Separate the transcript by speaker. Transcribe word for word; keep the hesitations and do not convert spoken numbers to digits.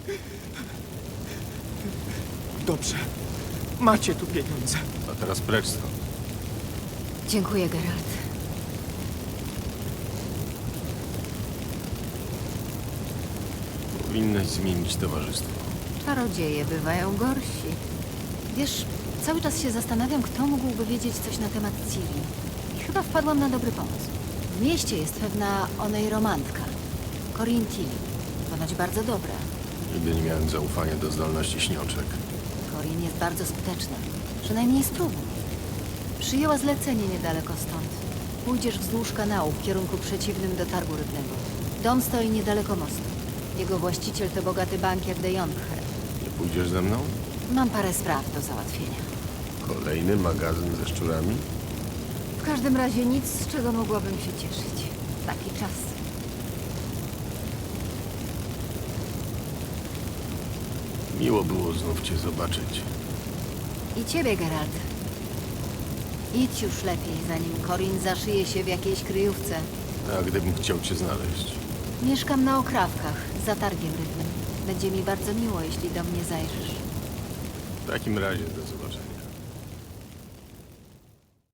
Speaker 1: Dobrze. Macie tu pieniądze.
Speaker 2: A teraz precz stąd.
Speaker 3: Dziękuję, Geralt.
Speaker 2: Powinnaś zmienić towarzystwo.
Speaker 3: Czarodzieje bywają gorsi. Wiesz, cały czas się zastanawiam, kto mógłby wiedzieć coś na temat Ciri. I chyba wpadłam na dobry pomysł. W mieście jest pewna onej romantka. Corinne Tilly. Ponoć bardzo dobra.
Speaker 2: Nigdy nie miałem zaufania do zdolności śniączek.
Speaker 3: Corinne jest bardzo skuteczna. Przynajmniej spróbuj. Przyjęła zlecenie niedaleko stąd. Pójdziesz wzdłuż kanału w kierunku przeciwnym do targu rybnego. Dom stoi niedaleko mostu. Jego właściciel to bogaty bankier de Jonkher.
Speaker 2: Nie pójdziesz ze mną?
Speaker 3: Mam parę spraw do załatwienia.
Speaker 2: Kolejny magazyn ze szczurami?
Speaker 3: W każdym razie nic, z czego mogłabym się cieszyć. Taki czas.
Speaker 2: Miło było znów cię zobaczyć.
Speaker 3: I ciebie, Geralt. Idź już lepiej, zanim Corinne zaszyje się w jakiejś kryjówce.
Speaker 2: A gdybym chciał cię znaleźć?
Speaker 3: Mieszkam na Okrawkach, za targiem rybnym. Będzie mi bardzo miło, jeśli do mnie zajrzysz.
Speaker 2: W takim razie do zobaczenia.